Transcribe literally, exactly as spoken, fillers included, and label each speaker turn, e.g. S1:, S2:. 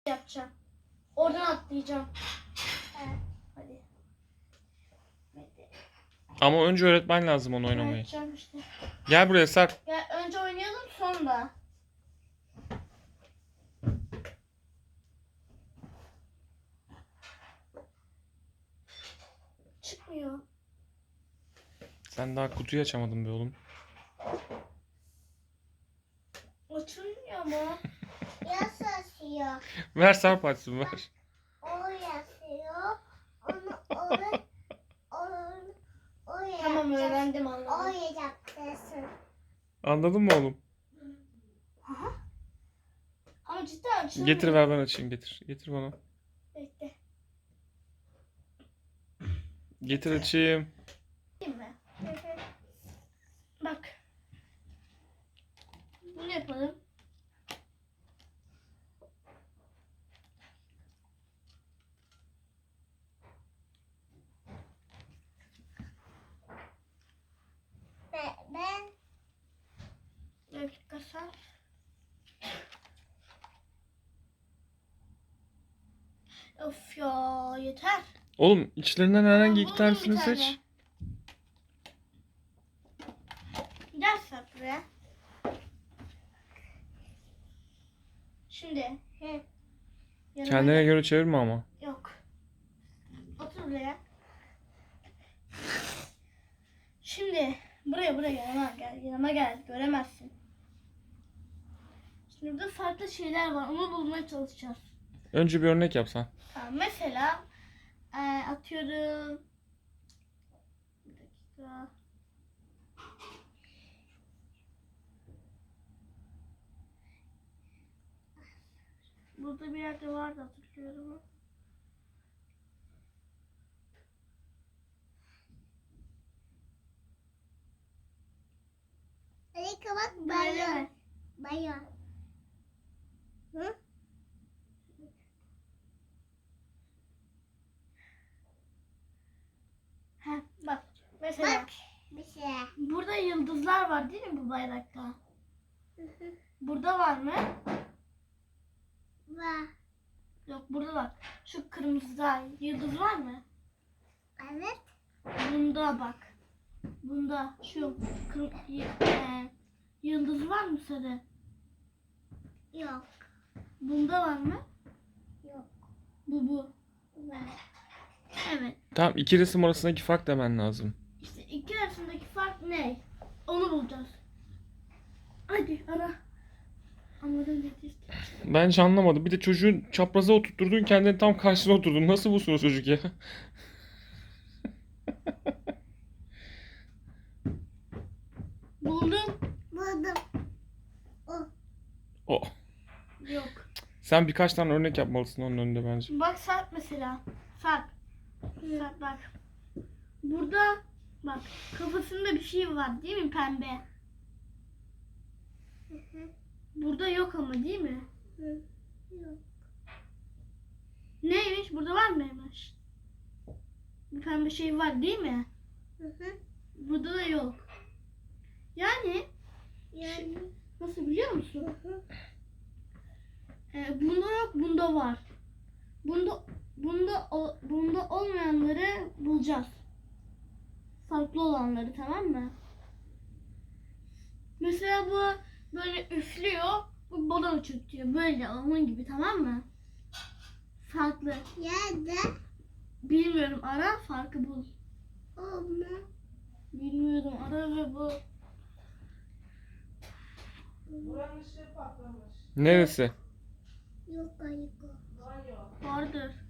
S1: yapacağım. Oradan atlayacağım. Evet. Hadi.
S2: Ama önce öğretmen lazım onu oynamayı.
S1: Yapacağım işte.
S2: Gel buraya Sarp.
S1: Gel önce oynayalım sonra. Çıkmıyor.
S2: Sen daha kutuyu açamadın be oğlum.
S1: Açılmıyor mu?
S3: Yas asıyor.
S2: Ver Sarp açsın ver.
S3: O yazıyor. Onu o onu o
S1: Tamam
S3: yapacak.
S1: öğrendim
S3: O
S1: anladım.
S3: yapacaksın.
S2: Anladın mı oğlum?
S1: Ama cidden açılmıyor.
S2: Getir ver ben açayım getir. Getir bana.
S1: Bekle.
S2: Getir açayım.
S1: Değil mi? Bak. Bunu yapalım.
S3: Ben, ben
S1: Bir dakika sen. Of ya yeter.
S2: Oğlum içlerinden herhangi iki
S1: Buldum
S2: tanesini
S1: bir tane.
S2: seç.
S1: Gel sen buraya. Şimdi. He. Yanıma
S2: Kendine
S1: gel.
S2: göre çevirme ama.
S1: Yok. Otur buraya. Şimdi buraya buraya yanıma gel. Yanıma gel. Göremezsin. Şimdi burada farklı şeyler var. Onu bulmaya çalışacağız.
S2: Önce bir örnek yapsan.
S1: Tamam, mesela e, atıyorum. Bir dakika. Burada bir yerde vardı hatırlıyorum.
S3: hadi kapat
S1: Böyle
S3: bayan.
S1: mi?
S3: Bayan. Hı?
S1: Heh, bak mesela
S3: Bak bir şey.
S1: burada yıldızlar var değil mi bu bayrakta?
S3: Hı hı.
S1: Burada var mı?
S3: Var.
S1: Yok burada bak. Şu kırmızıda yıldız var mı?
S3: Evet.
S1: Bunda bak. Bunda şu kır, y- e, yıldız var mı sarı?
S3: Yok.
S1: Bunda var mı?
S3: Yok.
S1: Bu bu.
S3: Var.
S1: Evet.
S2: Tamam iki resim arasındaki fark demen lazım.
S1: İşte iki arasındaki fark ne? Onu bulacağız. Hadi ara. Anladın ne diyeceğim.
S2: Ben hiç anlamadım. Bir de çocuğun çapraza oturtturdun kendini tam karşısına oturdun. Nasıl bulsun o çocuk ya?
S1: Buldum.
S3: Buldum. O.
S2: O.
S1: Yok.
S2: Sen birkaç tane örnek yapmalısın onun önünde bence.
S1: Bak Sarp mesela. Sarp. Sarp bak. Burada bak kafasında bir şey var değil mi pembe?
S3: Hı hı.
S1: Burada yok ama değil mi?
S3: Hı. Yok.
S1: Neymiş? Burada var mıymış? Bir pembe şey var değil mi?
S3: Hı hı.
S1: Burada da yok. Yani
S3: Yani.
S1: nasıl biliyor musun?
S3: Hı hı.
S1: Ee, bunda yok, bunda var. Bunda bunda o- bunda olmayanları bulacağız. Farklı olanları, tamam mı? Mesela bu böyle üflüyor, bu balon uçurtuyor. Böyle onun gibi, tamam mı? Farklı.
S3: Yerde.
S1: Bilmiyorum, ara farkı bul.
S3: Olma.
S1: Bilmiyorum, ara ve bul.
S2: Neresi?
S3: Yok ayık.
S1: Vardır.